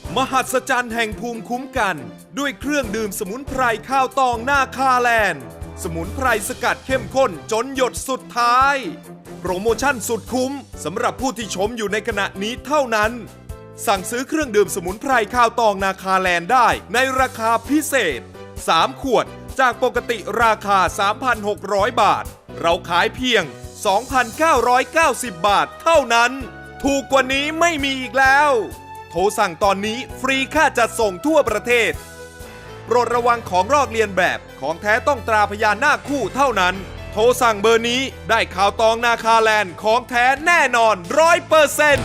มหัศจรรย์แห่งภูมิคุ้มกันด้วยเครื่องดื่มสมุนไพรข้าวตองหน้าคาแลนด์สมุนไพรสกัดเข้มข้นจนหยดสุดท้ายโปรโมชั่นสุดคุ้มสำหรับผู้ที่ชมอยู่ในขณะนี้เท่านั้นสั่งซื้อเครื่องดื่มสมุนไพรข้าวตองนาคาแลนด์ได้ในราคาพิเศษ3 ขวดจากปกติราคา 3,600 บาทเราขายเพียง 2,990 บาทเท่านั้นถูกกว่านี้ไม่มีอีกแล้วโทรสั่งตอนนี้ฟรีค่าจัดส่งทั่วประเทศโปรดระวังของลอกเลียนแบบของแท้ต้องตราพญานาคคู่เท่านั้นโทรสั่งเบอร์นี้ได้ข่าวตองนาคาแลนด์ของแท้แน่นอน 100%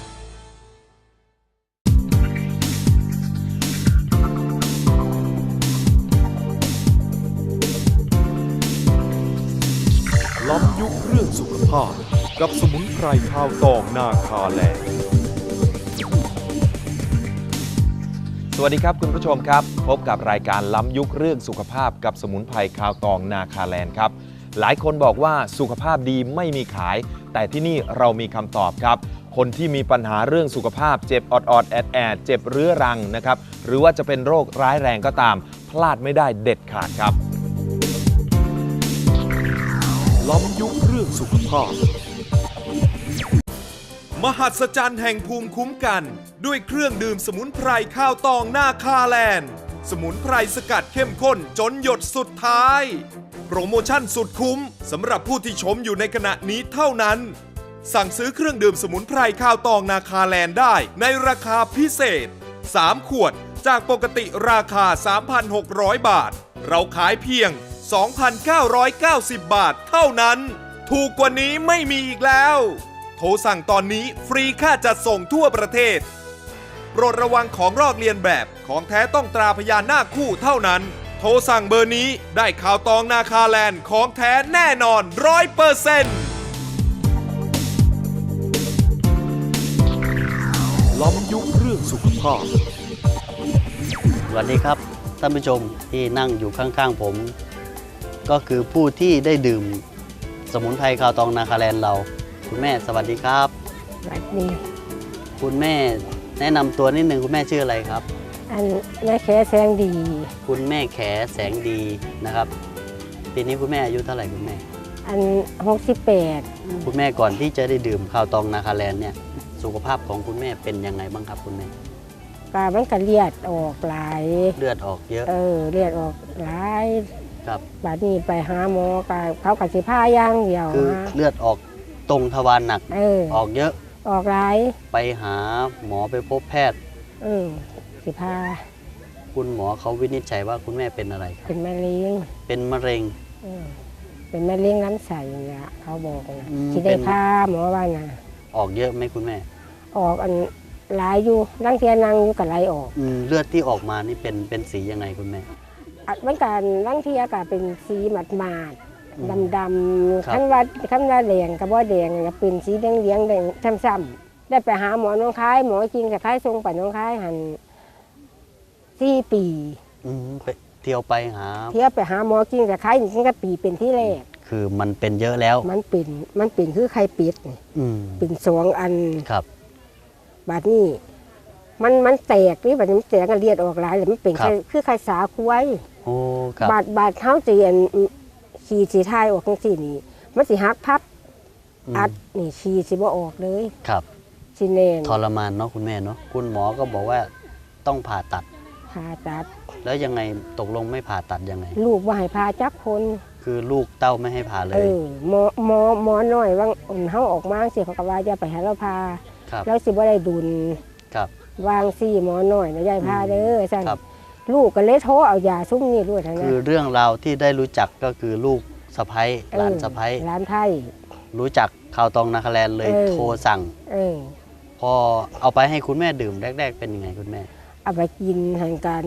ล้ำยุคเรื่องสุขภาพกับสมุนไพรข้าวตองนาคาแลนด์สวัสดีครับคุณผู้ชมครับพบกับรายการล้ำยุคเรื่องสุขภาพกับสมุนไพรข้าวตองนาคาแลนด์ครับหลายคนบอกว่าสุขภาพดีไม่มีขายแต่ที่นี่เรามีคำตอบครับคนที่มีปัญหาเรื่องสุขภาพเจ็บออดแอดเจ็บเรื้อรังนะครับหรือว่าจะเป็นโรคร้ายแรงก็ตามพลาดไม่ได้เด็ดขาดครับล้ำยุคเรื่องสุขภาพมหัศจรรย์แห่งภูมิคุ้มกันด้วยเครื่องดื่มสมุนไพรข้าวตองหน้าคาแลนด์สมุนไพรสกัดเข้มข้นจนหยดสุดท้ายโปรโมชั่นสุดคุ้มสำหรับผู้ที่ชมอยู่ในขณะนี้เท่านั้นสั่งซื้อเครื่องดื่มสมุนไพรข้าวตองนาคาแลนด์ได้ในราคาพิเศษ3 ขวดจากปกติราคา 3,600 บาทเราขายเพียง 2,990 บาทเท่านั้นถูกกว่านี้ไม่มีอีกแล้วโทรสั่งตอนนี้ฟรีค่าจัดส่งทั่วประเทศโปรดระวังของลอกเลียนแบบของแท้ต้องตราพญานาคคู่เท่านั้นโทรสั่งเบอร์นี้ได้ข่าวตองนาคาแลนด์ของแท้แน่นอน 100%ล้ำยุคเรื่องสุขภาพสวัสดีครับท่านผู้ชมที่นั่งอยู่ข้างๆผมก็คือผู้ที่ได้ดื่มสมุนไพรข้าวตองนาคาแลนด์เราคุณแม่สวัสดีครับสวัสดีคุณแม่แนะนำตัวนิดนึงคุณแม่ชื่ออะไรครับอันแม่แขแสงดีคุณแม่แขแสงดีนะครับปีนี้คุณแม่อายุเท่าไหร่คุณแม่อัน68 คุณแม่ก่อนที่จะได้ดื่มข้าวตองนาคาแลนด์เนี่ยสุขภาพของคุณแม่เป็นยังไงบ้างครับคุณแม่มันก็เลือดออกหลายเลือดออกเยอะเลือดออกหลายครับบัดนี้ไปหาหมอเขาก็สิพาอย่างเดียวคือเลือดออกตรงทวารหนักออกเยอะออกหลายไปหาหมอไปพบแพทย์สิพาคุณหมอเขาวินิจฉัยว่าคุณแม่เป็นอะไรครับเป็นมะเร็งเป็นมะเร็งเป็นมะเร็งลำไส้เนี่ยเขาบอกนะที่ได้พาหมอว่านะออกเยอะไหมคุณแม่ออกอันหลายอยู่นั่งเทียนั่งอยู่กับไหลออกเลือดที่ออกมานี่เป็นสียังไงคุณแม่มันการนั่งเทียก็เป็นสีหมาดดำขั้นว่าแดงกับว่าแดงก็เป็นสีแดงแดงซ้ำๆได้ไปหาหมอน้องคายหมอจริงแต่คายทรงไปน้องคายหัน4 ปีไปเที่ยวไปหาหมอจริงแต่คายจริงก็ปีเป็นที่แรกคือมันเป็นเยอะแล้วมันเป็นคือไข่เป็ดเป็น2 อันครับบาดนี้มันแตกนี่บาดนี้มันแตกกันเลือดออกหลายเลยมันเป็นคือไข่สาคุ้ยโอ้ครับบาดเท้าจีนขี้สีทายออกทั้งสี่นี่มันสิหักพับอัดนี่ขี้สิบ่ออกเลยครับสิเนนทรมานเนาะคุณแม่เนาะคุณหมอก็บอกว่าต้องผ่าตัดแล้วยังไงตกลงไม่ผ่าตัดยังไงลูกว่าให้ผ่าจักคนคือลูกเต้าไม่ให้ผ่าเลยหมอน้อยว่างเฮาออกมาสิเขาก็ว่าจะไปให้เราผ่าแล้วสิบ่ได้ดุลวางซี่หมอน้อยนะยายผ่าเด้อซั่นลูกก็เลยโทรเอายาซุ่มนี่ด้วยทั้งนั้นคือเรื่องราวที่ได้รู้จักก็คือลูกสะใภ้หลานสะใภ้หลานไทยรู้จักข้าวตองนาคาแลนด์เลยโทรสั่งพอเอาไปให้คุณแม่ดื่มแรกๆเป็นยังไงคุณแม่เอาไปกินทางการ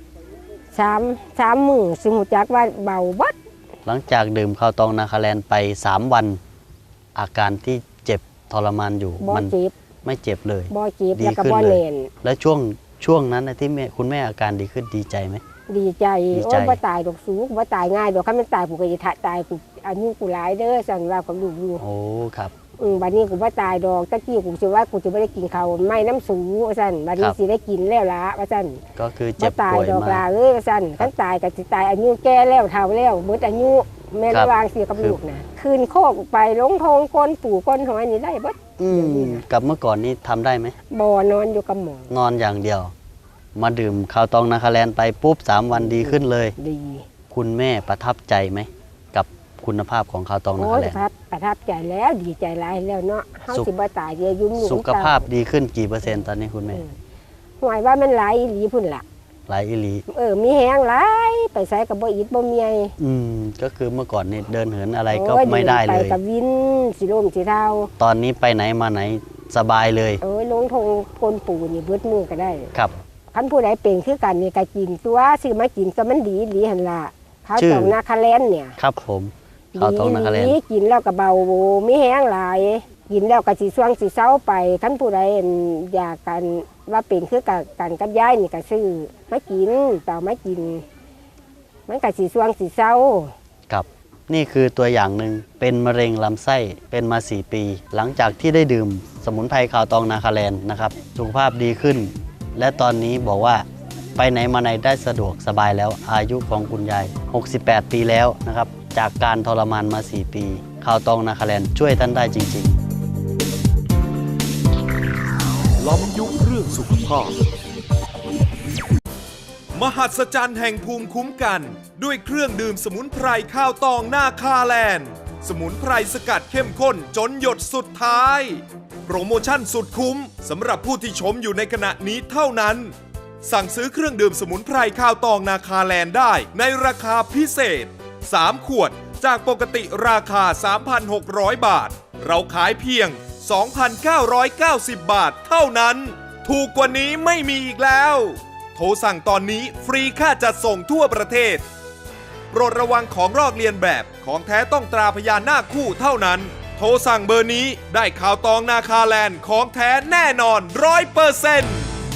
3 มื้อสิหูจักว่าเบาบัดหลังจากดื่มข้าวตองนาคาแลนด์ไป3 วันอาการที่เจ็บทรมานอยู่มันไม่เจ็บเลยบ่เจ็บแล้วก็บ่แน่นแล้วช่วงนั้นที่คุณแม่อาการดีขึ้นดีใจไหมดีใจโอ้บ่ตายดอกสูงบ่ตายง่ายดอกคันมันตายผู้ก็สิตายผู้อายุผู้หลายเด้อสั่นว่ากับลูกอยู่โอ้ครับบัดนี้กูบ่ตายดอกตะกี้กูสิว่ากูจะบ่ได้กินข้าวไม่น้ำสูว่าซั่นบัดนี้สิได้กินแล้วล่ะว่าซั่นก็คือบ่เจ็บตายป่วยดอกมาล่ะเอ้ยว่าซั่นคันตายก็สิตายอายุแก่แล้วเฒ่าแล้วหมดอายุแม่ครับระวางเสียกับลูกน่ะคืนโคกไปลงทงก้นปู่ก้นหอยนี่ได้เบิดกับเมื่อก่อนนี้ทำได้ไหมบ่นอนอยู่กับหมอนอนอย่างเดียว มาดื่มข้าวตองนาคาแลนด์ไปปุ๊บ3 วันดีขึ้นเลยดีคุณแม่ประทับใจไหมกับคุณภาพของข้าวตองนาโอ้คาย แลนด์ประทับใจแล้วดีใจหลายแล้วเนาะเฮาสุขสิบ่ตายเดี๋ยวยุ่มอยู่สุขภาพดีขึ้นกี่เปอร์เซ็นต์ตอนนี้คุณแม่หวยว่ามันหลายอีหลีพุ่นล่ะหลายอีหลีมีแฮงหลายไปไสก็บ่อิดบ่เมียก็คือเมื่อก่อนนี่เดินเหินอะไรก็โอ้ยไม่ได้เลไปยกับวินสิลมสิเท่าตอนนี้ไปไหนมาไหนสบายเลยลงทงพลปู่นี่เบิดมือก็ได้ครับคันผู้ใดเป็นคือกันนี่ก็กินตัวซื้อมากินก็มันดีหลีหั่นล่ะข้าวชื่อตองนาคาแลนเนี่ยครับผมข้าวตองนาคาแลนด์ดีกินแล้วก็เบามีแห้งหลายกินแล้วก็สิช่วงสิเซาไปคันผู้ใดอยากกันว่าเป็นคือกันกับยายนี่ก็ซื้อมากินต่อมากิน มันก็สิช่วงสิเซาครับนี่คือตัวอย่างหนึ่งเป็นมะเร็งลำไส้เป็นมา 4 ปี หลังจากที่ได้ดื่มสมุนไพรข้าวตองนาคาแลนด์นะครับสุขภาพดีขึ้น และตอนนี้บอกว่าไปไหนมาไหนได้สะดวกสบายแล้วอายุของคุณยาย 68 ปีแล้วนะครับจากการทรมานมา 4 ปีข้าวตองนาคาแลนด์ช่วยท่านได้จริงล้อมยุคเรื่องสุขภาพ มหัศจรรย์แห่งภูมิคุ้มกัน ด้วยเครื่องดื่มสมุนไพรข้าวตองนาคาแลนด์ สมุนไพรสกัดเข้มข้นจนหยดสุดท้าย โปรโมชั่นสุดคุ้มสำหรับผู้ที่ชมอยู่ในขณะนี้เท่านั้น สั่งซื้อเครื่องดื่มสมุนไพรข้าวตองนาคาแลนด์ได้ในราคาพิเศษ 3 ขวดจากปกติราคา 3,600 บาท เราขายเพียง 2,990 บาทเท่านั้น ถูกกว่านี้ไม่มีอีกแล้ว โทรสั่งตอนนี้ฟรีค่าจัดส่งทั่วประเทศ โปรดระวังของลอกเลียนแบบของแท้ต้องตราพยานหน้าคู่เท่านั้น โทรสั่งเบอร์นี้ได้ข่าวตองนาคาแลนด์ของแท้แน่นอน 100%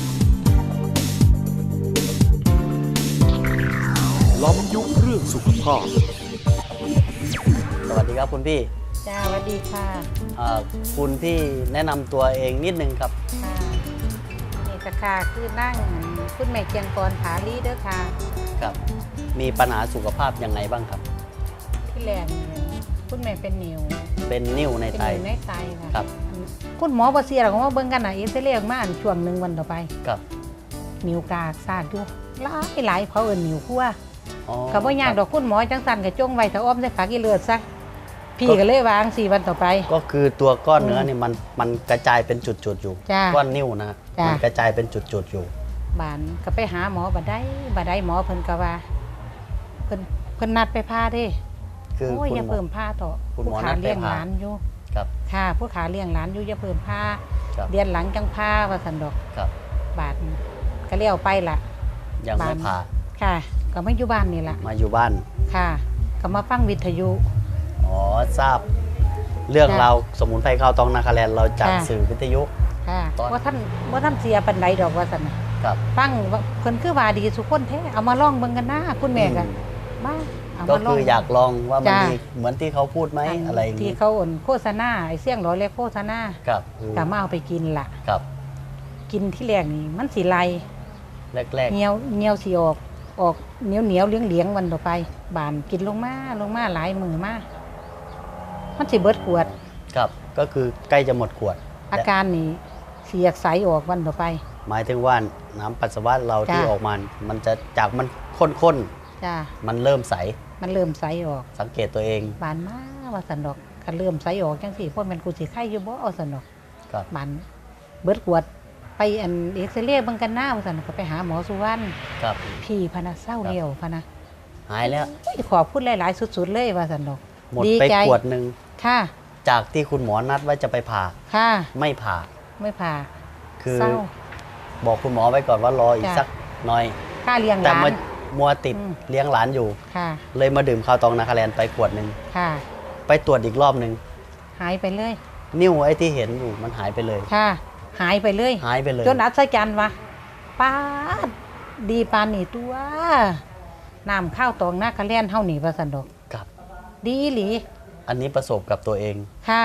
ล้อมยุคเรื่องสุขภาพๆ สวัสดีครับคุณพี่จ้าสวัสดีค่ะคุณพี่แนะนำตัวเองนิดนึงครับค่ะนี่ก็ค่ะคือนั่งคุณแม่เจียงกรผาลีเด้อค่ะครับ มีปัญหาสุขภาพยังไงบ้างครับที่แรกเนี่ยคุณแม่เป็นนิ้วเป็นนิ่วในเป็นไตนิ้วในไตค่ะครับคุณหมอบ่เสียหรอกว่าเบิ่งกันน่ะเอ็กซเรย์ออกมาอันช่วงหนึงวันต่อไปครับนิ้วกากซากอยู่หลายเขาเอิ้นนิ้วคั่วอ๋อก็บ่ยากดอกคุณหมอจังสั่นก็จงไว้ถ้าอ้อมใส่ฝากี่เลือดซะพี่ก็เลยวาง4 วันต่อไปก็คือตัวก้อนเนื้อนี่มันกระจายเป็นจุดๆอยู่จ้าก้อนนิ่วนะจ้ามัมันกระจายเป็นจุดๆอยู่บานก็ไปหาหมอบ่ได้หมอเพิ่นก็ว่าเพิ่นนัดไปพาเด้คือโอ้ยคุณอย่าหมอเพิ่มผ้าต่อคุณผู้หมอขานัดไปเลี้ยงผ่าหลานอยู่ครับค่ะผู้ขาเลี้ยงหลานอยู่อย่าเพิ่มผ้าครับเดือนหลังจังผ้าว่าสันดอกครับบาทก็เลี้ยวไปล่ะยังไม่บ้านผ่าค่ะ ก็ไม่อยู่บ้านนี่ล่ะมาอยู่บ้านค่ะ ก็มาฟังวิทยุอ๋อทราบ เรื่องจ้ะราวสมุนไพรข้าวตองนาคาแลนด์เราจากค่ะสื่อวิทยุค่ะตอนว่าท่านเสียปันใดดอกว่าสันน่ะครับฟังว่าเพิ่นคือว่าดีสุคนแท้เอามาลองเบิ่งกันนะคุณแม่ก็มาเอาก็มาลองคืออยากลองว่ามันจ้ะมีเหมือนที่เขาพูดไหมอะไรอย่างที่นี้เขาอ่นโฆษณาไอ้เสียงร้อยเล็กโฆษณาครับก็มาเอาไปกินล่ะครับกินที่แรกนี่มันสิไลแรกเหนียวสิออกเหนียวเลี้ยงวันต่อไปบานกินลงมาหลายมือมามันสิเบิดขวดๆครับ ก็คือใกล้จะหมดขวดอาการนี่เสียกใสออกวันต่อไปหมายถึงว่าน้ำปัสสาวะเราจ้ะที่ออกมา มันจะจากมันข้นจ้าๆ มันเริ่มใสมันเริ่มใสออกสังเกตตัวเองบานมาว่าสันดอกก็เริ่มใสออกจังสี่พวกมันกูสิไข่อยู่บ่เอาสันดอกครับบานเบิดขวดไปอันเอ็กซเรย์เบิ่งกันหน้าว่าสันก็ไปหาหมอสุวรรณครับพี่พะนะเศร้าเลี้ยวพะนะหายแล้วขอพูดหลายๆสุดๆเลยว่าสันดอกหมดดีไปใจขวดหนึ่งค่ะจากที่คุณหมอนัดว่าจะไปผ่าค่ะไม่ผ่าไม่ผ่าคือเศร้าบอกคุณหมอไว้ก่อนว่ารออีกจ้ะสักหน่อยค่าเลี้ยงหแต่ลานมามัวติดอืมเลี้ยงหลานอยู่ค่ะเลยมาดื่มข้าวตองนาคาแลนด์ไปขวดหนึ่งค่ะไปตรวจอีกรอบหนึ่งหายไปเลยนิ้วไอ้ที่เห็นอยู่มันหายไปเลยค่ะ หายไปเลยหายไปเลยจนอัศจรรย์วะป้าดดีปานนี่ตัวน้ำข้าวตองนาคาเลียนเฮานี่ว่าสันดอกครับดีอีหลีอันนี้ประสบกับตัวเองค่ะ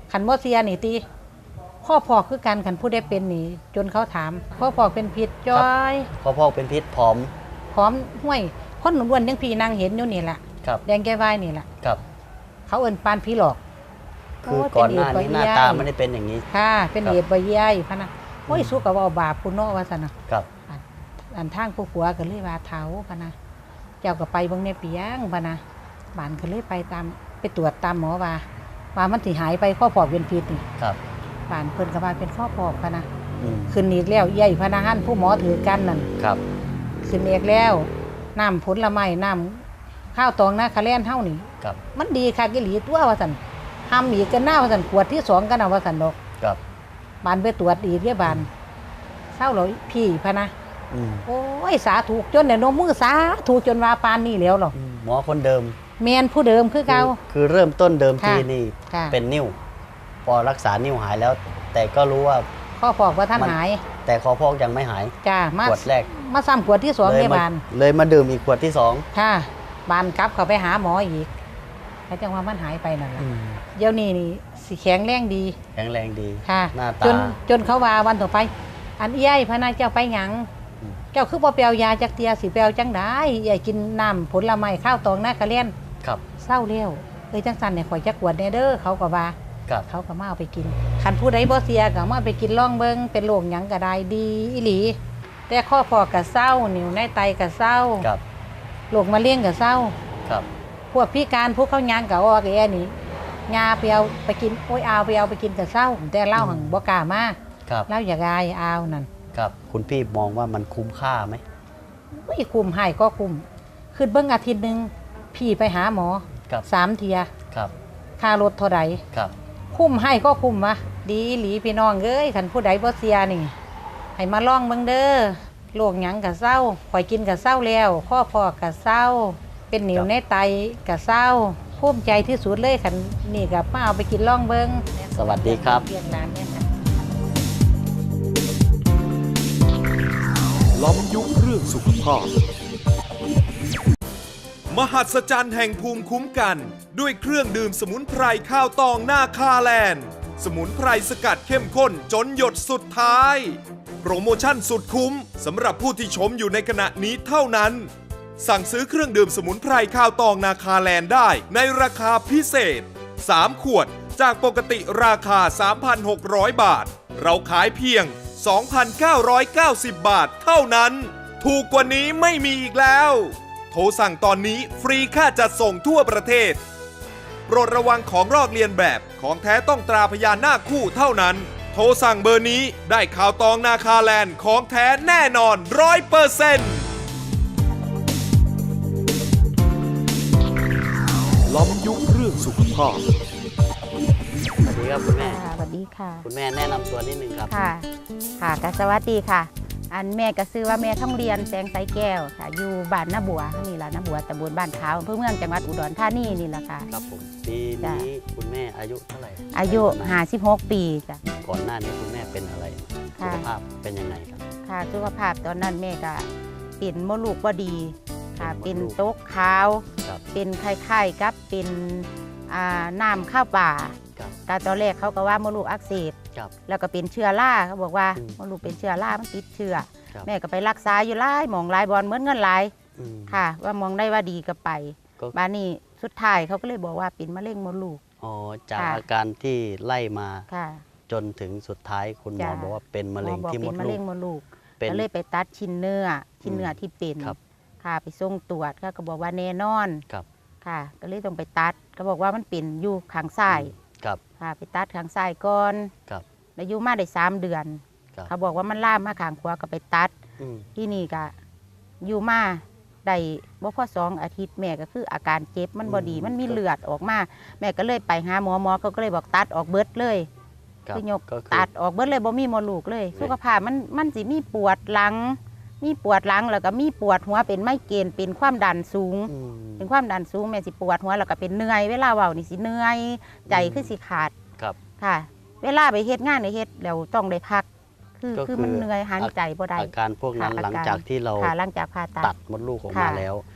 ขันบ่เสียนี่ตีข้อพอกคือกันขันผู้ได้เป็นนี่จนเขาถามข้อพอกเป็นพิษจ้อยข้อพอกเป็นพิษผอมพร้อมห้วยคนหนุ่มอ้วนยังพี่นางเห็นอยู่นี่แหละครับแดงแก้วายนี่แหละครับเขาเอิ้นปานผีหลอกคือก่อนหน้านี้หน้าตาไม่ได้เป็นอย่างนี้ค่ะเป็นครับเอดใบใหญ่พะนะโอ้ยสู้กับว่าบาปคุณเนาะว่าซั่นน่ะครับอันทางผู้ผัวก็เลยว่าเฒ่าพะนะเจ้าก็ไปเบิ่งในเปียงพะนะบ้านก็เลยไปตรวจตามหมอว่ามันสิหายไปข้อพอกเป็นพิษนี่ครับบ้านเพิ่นก็ว่าเป็นข้อพอกพะนะอืมขึ้นอีกแล้วใหญ่พะนะหันผู้หมอถือกันนั่นครับขึ้นอีกแล้วน้ำผลไม้น้ำข้าวตองนาคาแลนเฮานี่ครับมันดีคักอีหลีตัวว่าซั่นทำอีกกันหน้าว่าซั่นขวดที่2กันเอาว่าซั่นดอกครับบานไปตรวจอีกเด้บานเศร้าเลยพี่พะนะอืมโอ้ยสาถูกจนเนี่ยนมมือสาถูกจนว่าปานนี่แล้วหรอหมอคนเดิมแมนผู้เดิมคือเก่าคือเริ่มต้นเดิมทีค่ะนี่ค่ะเป็นนิ้ว พอรักษานิ้วหายแล้ว แต่ก็รู้ว่าข้อพอกว่าท่านมันหายแต่คอพอกยังไม่หายจ้ามาขวดแรกมาซ้ำขวดที่2 เลยในมาบานเลยมาดื่มอีกขวดที่สองค่ะบานกลับเขาไปหาหมออีกแล้วจังว่ามันหายไปนั่นแหละเดี๋ยวนี้นี่สิแข็งแรงดีแข็งแรงดีค่ะหน้าตาจนเขาว่าวันต่อไป อันเอี้ยพะนะเจ้าไปหยังอืมเจ้าคือบ่เปียวยาจักเตียสิเปียวจังได้อย่ากินน้ำผลไม้ข้าวตองนาคาเล่นครับเศร้าเลี้ยวจังสันเนี่ยข่อยจักขวดแน่เด้อเขาก็ว่าครับเขาก็มาเอาไปกินคันผู้ใดบ่เสียก็มาไปกินล่องเบิงเป็นโรคหยังก็ได้ดีอีหลี แต่ข้อพอกก็เศร้านิ้วในไตก็เศร้าครับโรคมะเร็งก็เศร้าครับพวกพิการพวกเขายางก็ออกแอนี่ยาไปเอาไปกินโอ้ยเอาไปเอาไปกินก็เศร้า แต่เล่าหังบ่กล้ามาครับเล่าอยากอายเอานั่นครับคุณพี่มองว่ามันคุ้มค่าไหมไม่คุ้มให้ก็คุ้มคือเบิ่งอาทิตย์หนึงพี่ไปหาหมอครับ 3 เที่ยครับค่ารถเท่าใดครับคุ้มให้ก็คุ้มวะดีอีหลีพี่น้องเอ้ยคันผู้ใดบ่เสียนี่ให้มาลองเบิ่งเด้อโรคหยังก็เศร้าข่อยกินก็เศร้าแล้วข้อพอกก็เศร้า เป็นหนิวในไตก็เศร้าภูมิใจที่สุดเลยคันนี่ก็มาเอาไปกินลองเบิ่งสวัสดีครับเรียนร้านเนี่ยค่ะล้อมยุคเรื่องสุขภาพ มหัศจรรย์แห่งภูมิคุ้มกัน ด้วยเครื่องดื่มสมุนไพรข้าวตองนาคาแลนด์ สมุนไพรสกัดเข้มข้นจนหยดสุดท้าย โปรโมชั่นสุดคุ้มสำหรับผู้ที่ชมอยู่ในขณะนี้เท่านั้น สั่งซื้อเครื่องดื่มสมุนไพรข้าวตองนาคาแลนด์ได้ในราคาพิเศษ 3 ขวดจากปกติราคา 3,600 บาท เราขายเพียง 2,990 บาทเท่านั้น ถูกกว่านี้ไม่มีอีกแล้ว โทรสั่งตอนนี้ฟรีค่าจัดส่งทั่วประเทศ โปรดระวังของลอกเลียนแบบของแท้ต้องตราพยานหน้าคู่เท่านั้น โทรสั่งเบอร์นี้ได้ข่าวตองนาคาแลนด์ของแท้แน่นอน 100% ล้อมยุคเรื่องสุขภาพสวัสดีครับคุณแม่ค่ะสวัสดีค่ะคุณแม่แนะนำตัวนิดนึงครับค่ะค่ะก็สวัสดีค่ะ อันแม่ก็ซื้อว่าแม่ท่องเรียนแสงไสแก้วค่ะ อยู่บ้านนาบัวนี่แหละนาบัวตำบลบ้านขาวอำเภอเมืองจังหวัดอุดรธานีนี่แหละค่ะครับผมปีนี้คุณแม่อายุเท่าไหร่อายุ56 ปีจ้ะก่อนหน้านี้คุณแม่เป็นอะไรสุค่ะขภาพเป็นยังไงครับค่ะสุขภาพตอนนั้นแม่ก็เป็นมดลูกบ่ดีค่ะเป็เป็น นมดลูกโต๊กขาวครับเป็นไข้ๆกับเป็นน้ำข้าวป่าครับก็ตอนแรกเขาก็ว่ามดลูกอักเสบครับแล้วก็เป็นเชื้อราเขาบอกว่าอืมมดลูกเป็นเชื้อรามันติดเชื้อครับแม่ก็ไปรักษาอยู่หลายหมองหลายบอลเหมือนเงินหลายอืมค่ะ ว่ามองได้ว่าดีก็ไปก็บ้านนี้สุดท้ายเขาก็เลยบอกว่าเป็นมะเร็งมดลูกอ๋อจากค่ะอาการที่ไล่มาค่ะจนถึงสุดท้ายคุณหมอจ้ะบอกว่าเป็นมะเร็งหอบอกที่มเป็ดนมะลูเร็กงมดลูกเป็นก็เลยไปตัดชิ้นเนื้อที่เป็นครับค่ะไปส่งตรวจก็บอกว่าแน่นอนครับค่ะ ก็เลยต้องไปตัดก็บอกว่ามันเป็นอยู่ข้างซ้ายครับค่ะไปตัดข้างซ้ายก่อนครับแล้วอยู่มาได้3 เดือนครับเขาบอกว่ามันล่ามมาข้างขวาก็ไปตัดอืมที่นี่ก็อยู่มาได้บ่พอ2 อาทิตย์แม่ก็คืออาการเจ็บมันบ่ดีมันมีเลือดออกมา แม่ก็เลยไปหาหมอก็เลยบอกตัดออกเบิดเลยครับคือยกก็คือตัดออกเบิดเลยบ่มีมดลูกเลยไม่สุขภาพมันสิมีปวดหลัง มีปวดหลังแล้วก็มีปวดหัวเป็นไมเกรนเป็นความดันสูงอืมเป็นความดันสูงแม่สิปวดหัวแล้วก็เป็นเหนื่อยเวลาเว้านี่สิเหนื่อยใจคือสิขาดครับค่ะ เวลาไปเฮ็ดงานเฮ็ดแล้วต้องได้พักก็คือมันเหนื่อยหายใจบ่ได้อาการพวกนั้นค่ะหลังจากที่เราค่ะหลังจากผ่าตัตัดดมดลูกออกมาค่ะแล้ว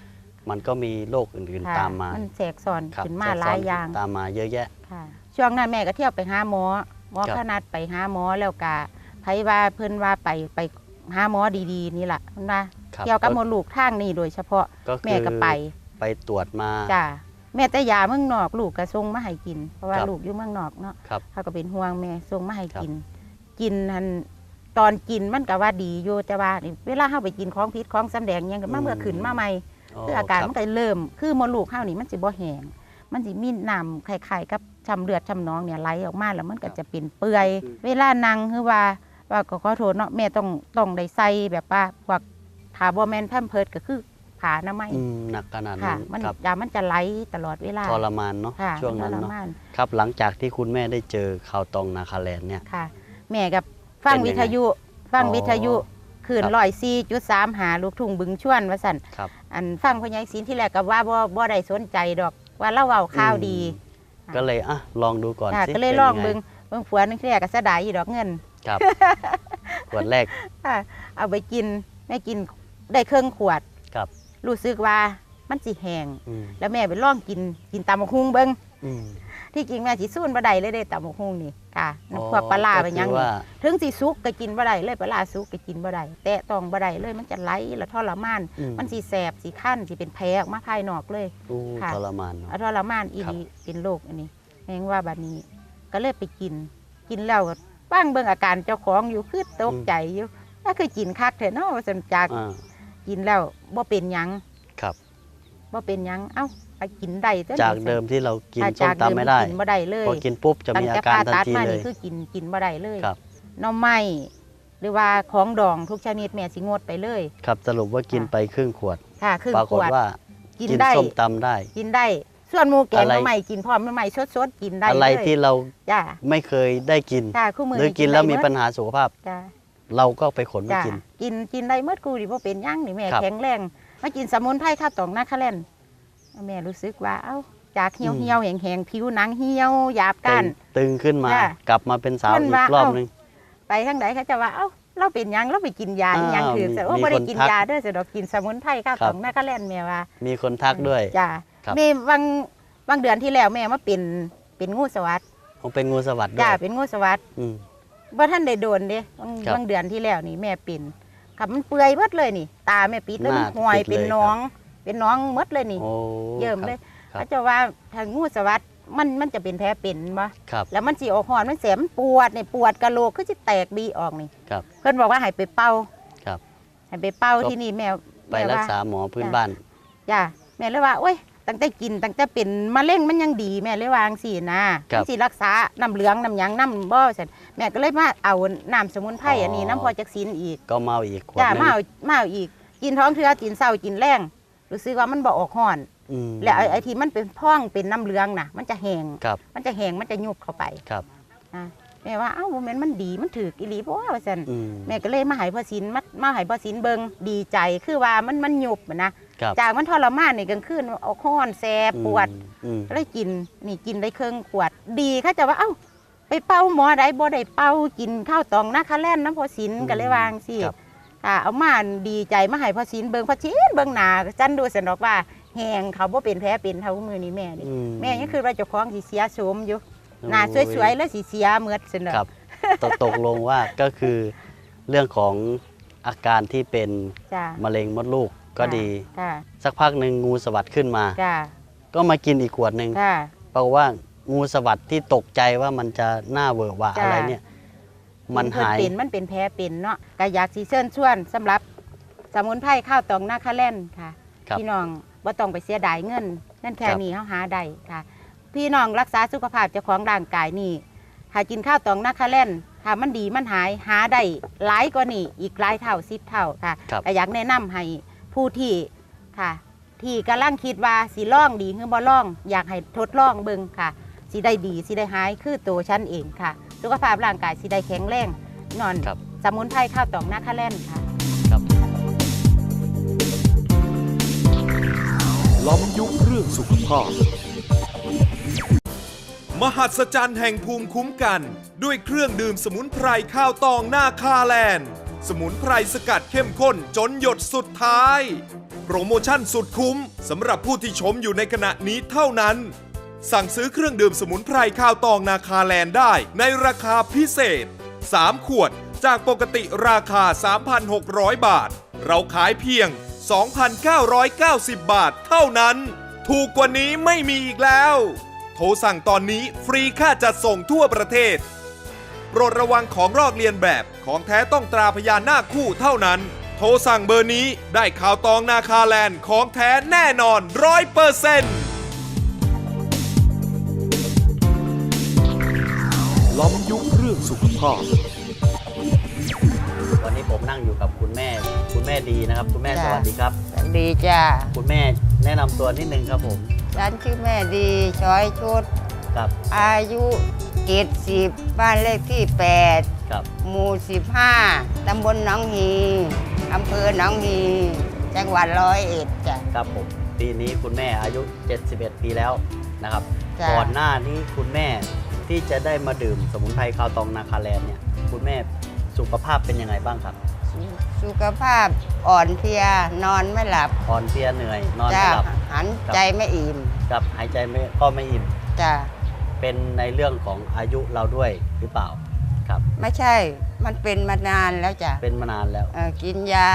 มันก็มีโรคอื่นค่ะๆตามมามันแทรกซ้อนครับขึ้นมาแทรกหซ้ลาอนยอย่างตามมาเยอะแยะค่ะ ช่วงนั้นแม่ก็เที่ยวไปหาหมอครับขนัดไปหาหมอแล้วก็ไผว่าเพิ่นว่าไปหาหมอดีๆนี่ล่ะเพิ่นว่าครับเกี่ยวกับมดลูกทางนี้โดยเฉพาะก็คือแม่ก็ไปไปตรวจมาจ้าแม่แต่ยาเมืองนอกลูกก็ส่งมาให้กิน เพราะว่าครับลูกอยู่เมืองนอกเนาะครับเขาก็เป็นห่วงแม่ส่งมาให้ครับกิน กินหันตอนกินมันก็ว่าดีอยู่แต่ว่านี่เวลาเฮาไปกินของพิษของสำแดงหยังก็มาเมื่อขึ้นมาใหม่คืออาการคมับนก็เริ่มคือมดลูกเฮานี่มันสิบ่แห้งมันสิมีน้ำคล้ายๆกับช้ำเลือดช้ำหนองเนี่ยไหลออกมาแล้วมันก็จะเป็นเปื่อย เวลานั่งคือว่าก็ขอโทษเนาะแม่ต้องได้ใส่แบบว่าพวกถ้าบ่แม่นแพมเพิร์สก็คือผ้าอนามัยหนักขนาดค่ะนั้นมันครับยามันจะไหลตลอดเวลาทรมานเนาะค่ะช่วงนั้นทรเนาะมานครับหลังจากที่คุณแม่ได้เจอข่าวตองนาคาแลนด์เนี่ยค่ะ แม่กับฟังเป็นยังไงวิทยุฟังอ๋อวิทยุคืนครับ 104.3หาลูกทุ่งบึงชวนว่าสั่นครับอันฟังพ่อใหญ่ศิลป์ที่แรกก็ว่าบ่ได้สนใจดอกว่าเล่าเว้าข่าวดีก็เลยลองดูก่อนค่ะสิก็เลยป็นลองไเบิ่งผัวนึงที่แรกก็เสียดายอยู่ดอกเงินครับ ขวดแรกค่ะเอาไปกินแม่กินได้เครื่องขวดครับรู้สึกว่ามันสิแห้งอืมแล้วแม่ไปลองกินตำบักหุ่งเบิ่งอืมที่จริงแม่สิสู้บ่ได้เลยเด้ตำบักหุ่งนี่ค่ะอ๋อพวกปลาร้าไปหยังก็คือว่าถึงสิสุกก็กินบ่ได้เลยปลาร้าสุกก็กินบ่ได้แตะต้องบ่ได้เลยมันจะไหลแล้วทรมาน มันสิแสบสิคั้นสิเป็นแผลออกมาภายนอกเลยอู้ค่ะทรมานเนาะทรมานอีครับหลีเป็นโรคอันนี้แม่งว่าบัดนี้ ก็เลยไปกินแล้วก็ฟังเบิ่งอาการเจ้าของอยู่คือตกใจอยู่ถ้าเคยกินคักแท้เนาะว่าซั่นจากอ่ากินแล้วบ่เป็นหยังครับบ่เป็นหยังเอ้าไปกินได้ตัวจากเดิมที่เรากินถ้ส้มจากเดิตำไม่ได้กินบ่ได้เลยพอกินปุ๊บจะมีอาการทันทีตั้งแต่ผ่ตัดมาเลนี่ยคือกินบ่ได้เลยครับหน่อไม้หรือว่าของดองทุกชนิดแม่สิงดไปเลยครับสรุปว่ากินไปครึ่งขวดค่ะครึ่งปรากขฏวดว่ากินกินได้ส้มตำได้กินได้ ส่วนหมูแกงอะไรหน่อไม้กินพร้อมหน่อไม้สดๆกินได้อะไรเลยที่เราจ้าไม่เคยได้กินจ้าคู่มือหรือกินแล้วมีปัญหาหาสุขภาพจ้าเราก็ไปขนมาจ้ากินกินได้เมื่อกูดิบ่เป็นหยังนี่แม่ครับแข็งแรงมากินสมุนไพรข้าวตองนาคาแลนแม่รู้สึกว่าเอ้าจากเหี่ยวเหี่ยวแห้งแห้งผิวหนังเหี่ยวหยาบก้านตึงขึ้นมาจ้ะกลับมาเป็นสาวมันอีว่ากรอบเอ้านึงไปทางไหนเขาจะว่าเอ้าเราเป็นหยังเราไปกินยาอีหยังอ้าวถือแต่ว่ามีบ่ได้คนกินทักยาเด้อแต่ดอกกินสมุนไพรข้าวครัตบองนาคาแลนแม่ว่ามีคนทักด้วยจ้าครับแม่บางเดือนที่แล้วแม่มาเป็นงูสวัสดผมเป็นงูสวัสด์ด้วจ้าย เป็นงูสวัสดอืมบ่ท่านได้โดนเด้ครับบางเดือนที่แล้วนี่แม่เป็นครับมันเปื่อยหมดเลยนี่ ตาแม่ปิดแล้วหมัน้านห่วยปิดเลยเป็นน้องเป็นน้องหมดเลยนี่โอ้เยิ่มเลยครับเขาจะว่าทางงูสวัสดมันจะเป็นแผลเป็นบ่ครับแล้วมันสิออกหอนมันแสบมันปวดนี่ปวดกะโหลกคือสิแตกบีออกนี่ครับเพิ่นบอกว่าให้ไปเป่าครับให้ไปเป่าก็ที่นี่แม่ไปรักษาหมอพื้นจ้ะบ้านจ้าแม่เลยว่าโอ้ยตั้งแต่กินตั้งแต่เป็นมะเร็งมันยังดีแม่เลยวาจั่งสินะครับ มันสิรักษาน้ำเหลืองน้ำหยังน้ำบ่ซั่นแม่ก็เลยมาเอาน้ำสมุนไพรอันนี้น้ำพอจักสินอีกก็เมาอีกขวดจ้าหนึงมาเอาอีก กินท้องเทือกินเศร้ากินแรงรู้สึกว่ามันบ่ออกห่อนอืมแล้วไอ้ที่มันเป็นพ่องเป็นน้ำเหลืองน่ะ มันจะแห้งครับมันจะแห้งมันจะยุบเข้าไปครับอ่ะแม่ว่าเอ้าโมเมนต์มันดีมันถืออีหลีเพราะว่าซั่นอืมแม่ก็เลยมาให้พ่อศิลป์มาให้พ่อศิลป์เบิ่งดีใจคือว่ามันยุบอะนะครับ จากมันทรมานนี่กลางคืนออกห่อนแสบปวดอืมก็เลยกินนี่กินได้เครื่องขวดดีเขาจะว่าเอ้าไปเป่าหมอได้บ่ได้เป่ากินข้าวตองนาคาแลนน้ำพ่อศิลป์ก็เลยวาจั่งสิครับค่ะเอามาดีใจมาให้พ่อศิลป์เบิ่งพ่อศิลป์เบิ่งหน้าจันดูสนอกว่าแหงเขาบ่เป็นแผลเป็นเท่ามือนี้แม่นี่อืแม่ยังคือว่าเจ้าของสิเสียโฉมอยู่โอ้หน้าสวยๆแล้วสิเสียเหมือดสนอครับ ตกลงว่าก็คือเรื่องของอาการที่เป็นจ้ามะเร็งมดลูกก็ดีค่ะสักพักหนึ่งงูสวัสด์ขึ้นมาจ้าก็มากินอีกขวดหนึ่งค่ะเพราะว่างูสวัสด์ที่ตกใจว่ามันจะหน้าเวอะหวะจ้ะอะไรเนี่ย มันหายมันเป็นแผลเป็นเนาะก็อยากสิเชิญชวนสำหรับสมุนไพรข้าวตองนาคาแลนค่ะครับพี่น้องบ่ต้องไปเสียดายเงินนั่นแค่ครับนี้เฮาหาได้ค่ะ พี่น้องรักษาสุขภาพเจ้าของร่างกายนี่หากินข้าวตองนาคาแลนถ้ามันดีมันหาได้หลายกว่านี่อีกหลายเท่า10เท่าค่ะครับก็อยากแนะนำให้ผู้ที่ค่ะ ที่กำลังคิดว่าสิลองดีหรือบ่ลองอยากให้ทดลองเบิ่งค่ะสิได้ดีสิได้หายคือตัวฉันเองค่ะ สุขภาพร่างกายสิได้แข็งแรงนอนครับสมุนไพรข้าวตองนาคาแลนค่ะครับล้อมยุคเรื่องสุขภาพ มหัศจรรย์แห่งภูมิคุ้มกัน ด้วยเครื่องดื่มสมุนไพรข้าวตองนาคาแลนด์ สมุนไพรสกัดเข้มข้นจนหยดสุดท้ายโปรโมชั่นสุดคุ้มสำหรับผู้ที่ชมอยู่ในขณะนี้เท่านั้น สั่งซื้อเครื่องดื่มสมุนไพรข้าวตองนาคาแลนด์ได้ในราคาพิเศษ 3 ขวดจากปกติราคา 3,600 บาท เราขายเพียง 2,990 บาทเท่านั้น ถูกกว่านี้ไม่มีอีกแล้ว โทรสั่งตอนนี้ฟรีค่าจัดส่งทั่วประเทศ โปรดระวังของลอกเลียนแบบของแท้ต้องตราพญานาคคู่เท่านั้น โทรสั่งเบอร์นี้ได้ข่าวตองนาคาแลนด์ของแท้แน่นอน 100%ล้อมยุคเรื่องสุขภาพวันนี้ผมนั่งอยู่กับคุณแม่ดีนะครับคุณแม่สจ้ะวัสดีครับดีจ้าคุณแม่แนะนำตัวนิดนึงครับผมฉันชื่อแม่ดีช้อยชุดครับอายุ70บ้านเลขที่ครับ 8 หมู่ 15 ตำบลหนองฮีอำเภอหนองฮี จังหวัด101จ้ะครับผมปีนี้คุณแม่อายุ 71 ปีแล้วนะครับจ้ะก่อนหน้านี้คุณแม่ที่จะได้มาดื่มสมุนไพรข้าวตองนาคาแลนด์เนี่ยคุณแม่สุขภาพเป็นยังไงบ้างครับสุขภาพอ่อนเพลียนอนไม่หลับอ่อนเพลียเหนื่อยนอนจ้าไม่หลับหันใจไม่อิ่มกับหายใจไม่อิ่มจ้าเป็นในเรื่องของอายุเราด้วยหรือเปล่าครับไม่ใช่ มันเป็นมานานแล้วจ้ะเป็นมานานแล้วกินยา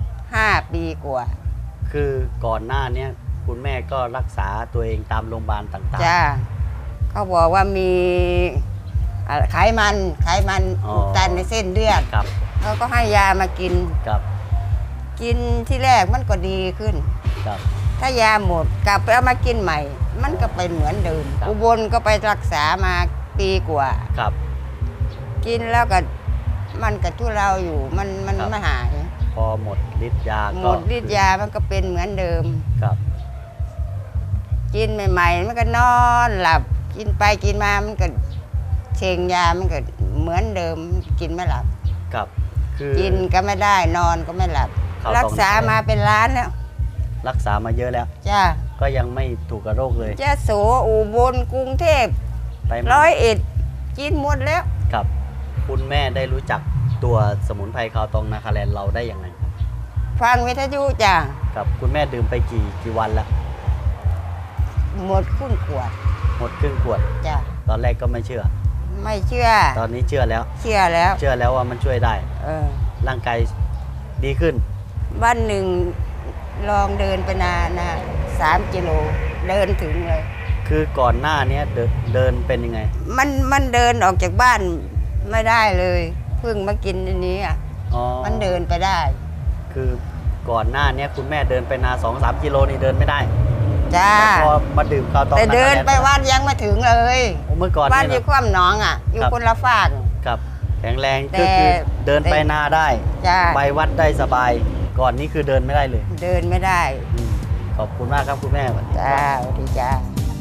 5 ปีกว่าคือก่อนหน้าเนี้ยคุณแม่ก็รักษาตัวเองตามโรงพยาบาลต่างจ้าเขาบอกว่ามีไขมันอุดตันในเส้นเลือดๆครับเขาก็ให้ยามากินครับกินที่แรกมันก็ดีขึ้นครับถ้ายาหมดกลับไปเอามากินใหม่ มันก็เป็นเหมือนเดิมครับอุบลก็ไปรักษามาปีกว่าครับกินแล้วก็มันก็ทุเราอยู่มันครับไม่หายพอหมดฤทธิ์ยาหมก็ดฤทธิ์ยามันก็เป็นเหมือนเดิมครับกินใหม่ๆมันก็นอนหลับ กินไปกินมามันก็เชงยามันก็เหมือนเดิมกินไม่หลับครับคือกินก็ไม่ได้นอนก็ไม่หลับเขาต้องรักษามาเป็นล้านแล้วรักษามาเยอะแล้วจ้าก็ยังไม่ถูกกับโรคเลยยะโสอุบลกรุงเทพไปมา 101กินหมดแล้วครับคุณแม่ได้รู้จักตัวสมุนไพรข้าวตองนาคาแลนด์เราได้ยังไงครับฟังวิทยุจ้าครับคุณแม่ดื่มไปกี่วันแล้วหมดครึ่งขวดหมดครึ่งขวดจ้าตอนแรกก็ไม่เชื่อไม่เชื่อตอนนี้เชื่อแล้วเชื่อแล้วเชื่อแล้วว่ามันช่วยได้เออร่างกายดีขึ้นวันหนึ่งลองเดินไปนานนะ3 กิโลเดินถึงเลยคือก่อนหน้านี้เดินเป็นยังไงมันเดินออกจากบ้านไม่ได้เลยเพิ่งมากินอันนี้อ่ะอ๋อมันเดินไปได้คือก่อนหน้านี้คุณแม่เดินไปนา 2-3 กิโลนี่เดินไม่ได้จ้าแต่พอมาดื่มข้าวตองแต่เดินนาคาแลด์ไปวัดยังไม่ถึงเลยโอ้เมื่อก่อนบ้านนี่อยู่ความหนองอ่ะ อยู่ครับคนละฝากครับแข็งแรงแต่ก็คือเดินไปนาได้จ้าไปวัดได้สบาย ก่อนนี้คือเดินไม่ได้เลยเดินไม่ได้อืมขอบคุณมากครับคุณแม่สวัสดีจ้าครับสวัสดีจ้า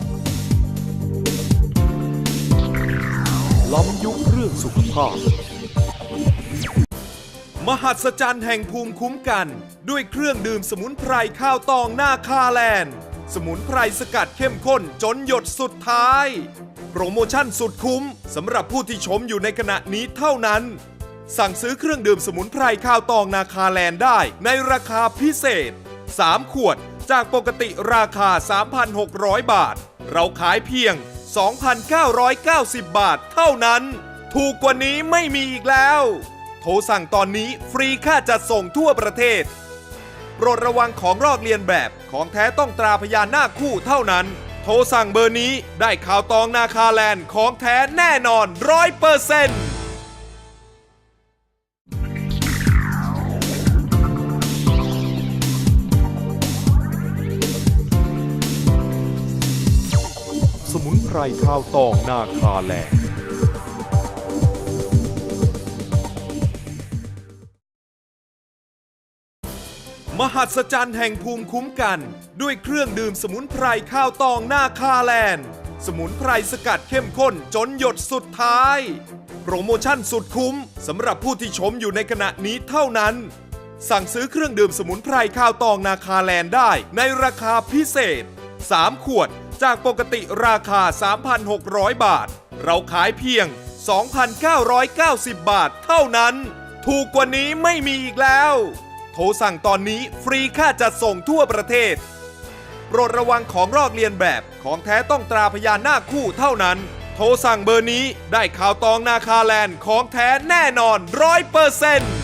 ล้อมยุคเรื่องสุขภาพ มหัศจรรย์แห่งภูมิคุ้มกัน ด้วยเครื่องดื่มสมุนไพรข้าวตองนาคาแลนด์ สมุนไพรสกัดเข้มข้นจนหยดสุดท้าย โปรโมชั่นสุดคุ้มสำหรับผู้ที่ชมอยู่ในขณะนี้เท่านั้น สั่งซื้อเครื่องดื่มสมุนไพรข้าวตองนาคาแลนด์ได้ในราคาพิเศษ 3 ขวดจากปกติราคา 3,600 บาท เราขายเพียง 2,990 บาทเท่านั้น ถูกกว่านี้ไม่มีอีกแล้ว โทรสั่งตอนนี้ฟรีค่าจัดส่งทั่วประเทศ โปรดระวังของลอกเลียนแบบของแท้ต้องตราพญานาคคู่เท่านั้น โทรสั่งเบอร์นี้ได้ข่าวตองนาคาแลนด์ของแท้แน่นอน 100% สมุนไพรข้าวตองนาคาแลนด์ มหัศจรรย์แห่งภูมิคุ้มกัน ด้วยเครื่องดื่มสมุนไพรข้าวตองนาคาแลนด์ สมุนไพรสกัดเข้มข้นจนหยดสุดท้าย โปรโมชั่นสุดคุ้มสำหรับผู้ที่ชมอยู่ในขณะนี้เท่านั้น สั่งซื้อเครื่องดื่มสมุนไพรข้าวตองนาคาแลนด์ได้ในราคาพิเศษ 3 ขวดจากปกติราคา 3,600 บาท เราขายเพียง 2,990 บาทเท่านั้น ถูกกว่านี้ไม่มีอีกแล้วโทรสั่งตอนนี้ฟรีค่าจัดส่งทั่วประเทศ โปรดระวังของลอกเลียนแบบของแท้ต้องตราพญานาคคู่เท่านั้น โทรสั่งเบอร์นี้ได้ข่าวตองนาคาแลนด์ของแท้แน่นอน100%